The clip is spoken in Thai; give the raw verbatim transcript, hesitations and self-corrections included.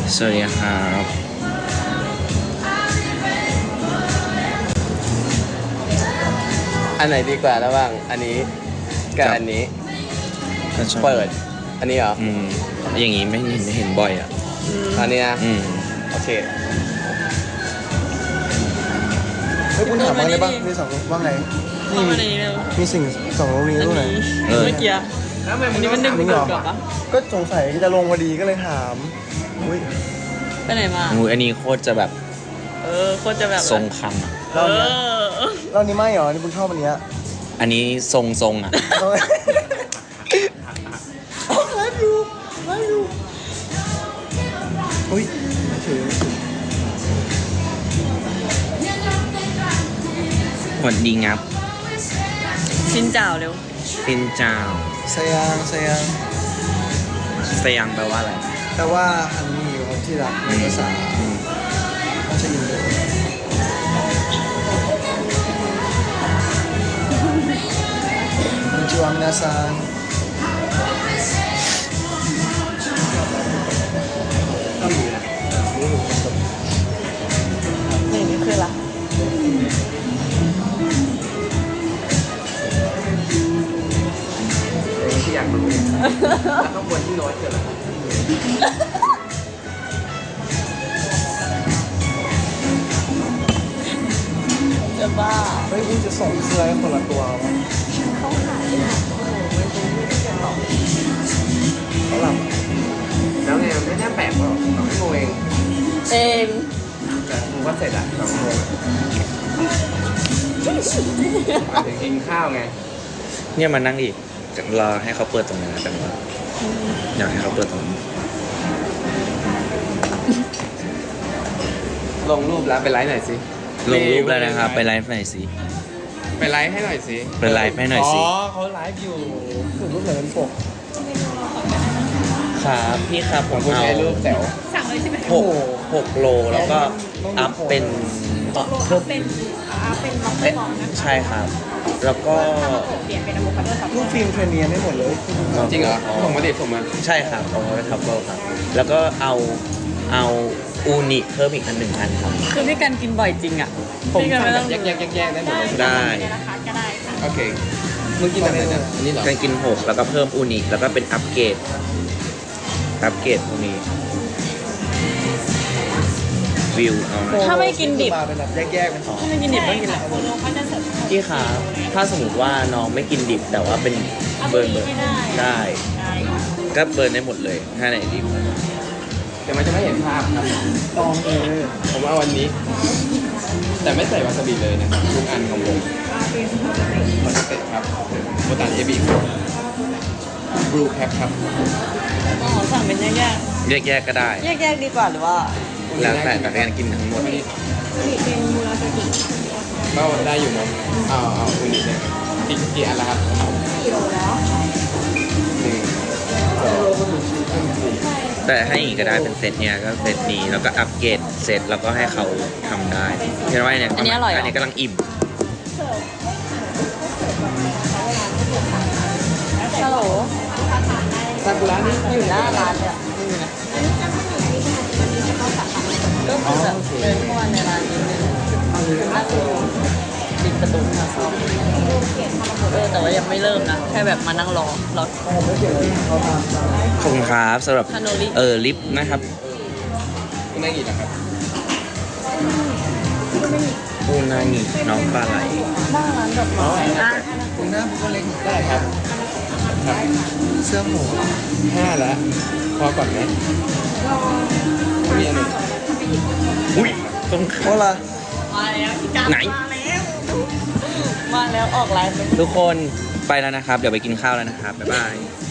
สวัสดีครับอันไหนดีกว่าระหว่างอันนี้กับอันนี้เปิดอันนี้เหรออืมอย่างงี้ไม่เห็นไม่เห็นบ่อยอ่ะอันนี้นะอืมโอเคเฮ้ยคุณถามว่าไงบ้างมีสองว่าไงนี่มีมีสิ่งสองโรงนี้ด้วยเออเมื่อกี้อันนี้มันดึงจริงเหรอเกือบปะก็สงสัยจะลงพอดีก็เลยถามอุ้ยไปไหนมางูอันนี้โคตรจะแบบเออโคตรจะแบบทรงคังอะเออเรานี่ไม่เหรอนี่คุณชอบอันเนี้ยอันนี้ทรงทรงอ่ะเราไลฟ์อยู่ไลฟ์อยู่อุ้ยไม่ถือหวัดดีงับชินเจ้าเร็วปินเจ้าสยางสยางสยังแปลว่าอะไรแต่ว่าฮันนี่ครับที่รักในภาษาอืมภาษาอินโดこんにちは皆さんนี่นี่คืออะไรที่อยากรู้แล้วข้างบนที่โน้ตเกิดอะไรจะบ้าเฮ้ยคุณจะส่งเสื้อให้คนละตัวมั้งเขาหายอ่ะโอ้โหไม่รู้ไม่ได้จะตอบเขาหลับแล้วไงไม่น่าแปลกหรอกสองชั่วโมงเองเองแต่กูก็เสร็จอ่ะสองชั่วโมงมาถึงกินข้าวไงเนี่ยมานั่งอีกรอให้เขาเปิดตรงนี้นะแต่ว่าอยากให้เขาเปิดตรงนี้ลงรูปแล้วไปไลฟ์หน่อยสิลงรูปแล้วนะครับไปไลฟ์หน่อยสิไปไลฟ์ให้หน่อยสิไปไลฟ์ให้หน่อยสิอ๋อเขาไลฟ์อยู่ถึงรูปเหมือนเป็นปกครับพี่ครับผของมคุณเอาใช้รูปแจ๋วสั่งเลยใช่ไหมหกหกโลแล้วก็อัพเป็นโลอัพเป็นอัพเป็นล็อกเกอร์บอลนะใช่ครับ แล้วก็เปลี่ยนเป็นอะโวคาโดซับรูปฟิล์มเทรนเนียนได้หมดเลยจริงเหรอส่งมาดิส่งมาใช่ครับเอาไว้ทับเบิลครับ แล้วก็เอาเอาอูนิเพิ่มอีกอันหนึ่งอันครับคือพี่กันกินบ่อยจริงอ่ะผมพี่กันสั่ไม่งแบต้อบ งแยกแยกแยกแยกได้หมดเลยได้นะคะก็ได้ค่ะโอเคมึงกินแบบไหนเนี่ยอันนี้เหรอการกินหกแล้วก็เพิ่มอูนิแล้วก็เป็นอัปเกรดอัปเกรดพวกนี้วิวเอานะถ้าไม่กินดิบมาเป็นแบบแยกๆเป็นสองถ้าไม่กินดิบต้องกินอะไรพี่ครับถ้าสมมติว่าน้องไม่กินดิบแต่ว่าเป็นเบิร์นเบิร์นได้ ก็เบิร์นได้หมดเลยถ้าไหนดิบแต่มันจะไม่เห็นภาพครับตองเออผมเอาวันนี้ แต่ไม่ใส่วาซาบิเลยนะครับทุกอันของผมคอนเซ็ปต์ครับโบตันเอบีบลูแคปครับอ๋อสั่งเป็นแยกแยกๆก็ได้ๆแยกๆดีกว่าหรือว่าแล้วแต่แต่การกินทั้งหมดก็ได้อยู่เนาะเอาเอาคุณนี่เลยกี่กี่อันละครับกี่โลแล้วหนึ่งสองสี่แต่ให้อีกก็ได้เป็นเซตเนี้ยก็เซตนี้แล้วก็อัปเกรดเซตแล้วก็ให้เขาทำได้เห็นไหมเนี่ยอันนี้อร่อยเหรออันนี้กำลังอิ่มฮัลโหลซากุระนี่อยู่หน้าร้านเลยอะไม่มีนะก็คือแบบเดินเข้ามาในร้านนิดนึงนั่งดูปิดประตูค่ะเออแต่ว่ายังไม่เริ่มนะ แค่แบบมานั่งรอรอผมไม่เกี่ยวเลยเขาทำตามขอบคุณครับสำหรับคาโนริเออลิฟต์นะครับคุณได้กี่แล้วครับปูนางิน้องปลาไหลหน้าร้านดอกไม้อ่ะคุณหน้าบุคลิกได้ครับครับเสื้อหมูห้าแล้วพอก่อนไหมไม่มีอันหนึ่งอุ้ยต้องโอ้ล่ะมาแล้วพี่กันไหนมาแล้วมาแล้วออกไลน์เลยทุกคนไปแล้วนะครับ เดี๋ยวไปกินข้าวแล้วนะครับ บ๊ายบาย